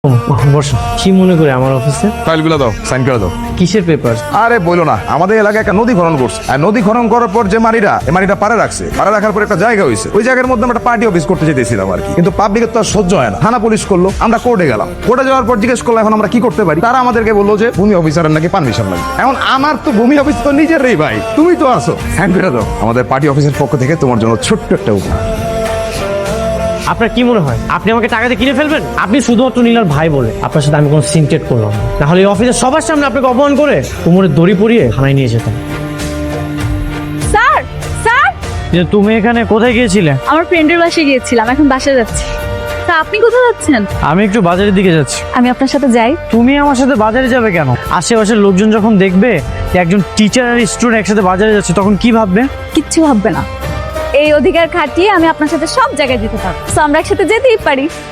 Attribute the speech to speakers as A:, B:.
A: বসো। কি মনে করে আমার অফিসে?
B: ফাইলগুলো দাও, সাইন করে দাও।
A: কিসের পেপার?
B: আরে বলো না, আমাদের এলাকায় একটা নদী খনন করছে, আর নদী খনন করার পর যে মাটিটা পাড়ে রাখছে, পাড়ে রাখার পর একটা জায়গা হয়েছে, ওই জায়গার মধ্যে আমরা একটা পার্টি অফিস করতে যেতেছিলাম আর কি। কিন্তু পাবলিকের তো আর সহ্য হয় না, থানা পুলিশ করলো, আমরা কোর্টে গেলাম। কোর্টে যাওয়ার পর জিজ্ঞেস করলো এখন আমরা কি করতে পারি। তারা আমাদেরকে বললো যে ভূমি অফিসারের নাকি পারমিশন লাগে। এখন আমার তো ভূমি অফিস তো নিজেরই ভাই, তুমি তো আছো, সাইন করে দাও। আমাদের পার্টি অফিসের পক্ষ থেকে তোমার জন্য ছোট্ট একটা উপহার।
A: আপনার কি মনে হয় আপনি আমাকে টাকা দিয়ে কিনে ফেলবেন? আপনি শুধুমাত্র নীলার ভাই বলে আপনার সাথে আমি কোনো সিনটেট করলাম না, নাহলে এই অফিসের সবার সামনে আপনাকে অপমান করে কোমরে দড়ি পরিয়ে থানায় নিয়ে যেতাম।
C: স্যার স্যার
A: যে তুমি এখানে কোথায় গিয়েছিলে?
C: আমার ফ্রেন্ডের বাসায় গিয়েছিলাম, এখন বাসায় যাচ্ছি। তা আপনি কোথায় যাচ্ছেন?
A: আমি একটু বাজারের দিকে যাচ্ছি।
C: আমি আপনার সাথে যাই।
A: তুমি আমার সাথে বাজারে যাবে কেন? আশেপাশের লোকজন যখন দেখবে যে একজন টিচার আর স্টুডেন্ট একসাথে বাজারে যাচ্ছে, তখন কি ভাববে?
C: কিচ্ছু ভাববে না। এই অধিকার খাটিয়ে আমি আপনার সাথে সব জায়গায় যেতে পারবো, তো আমরা একসাথে যেতেই পারি।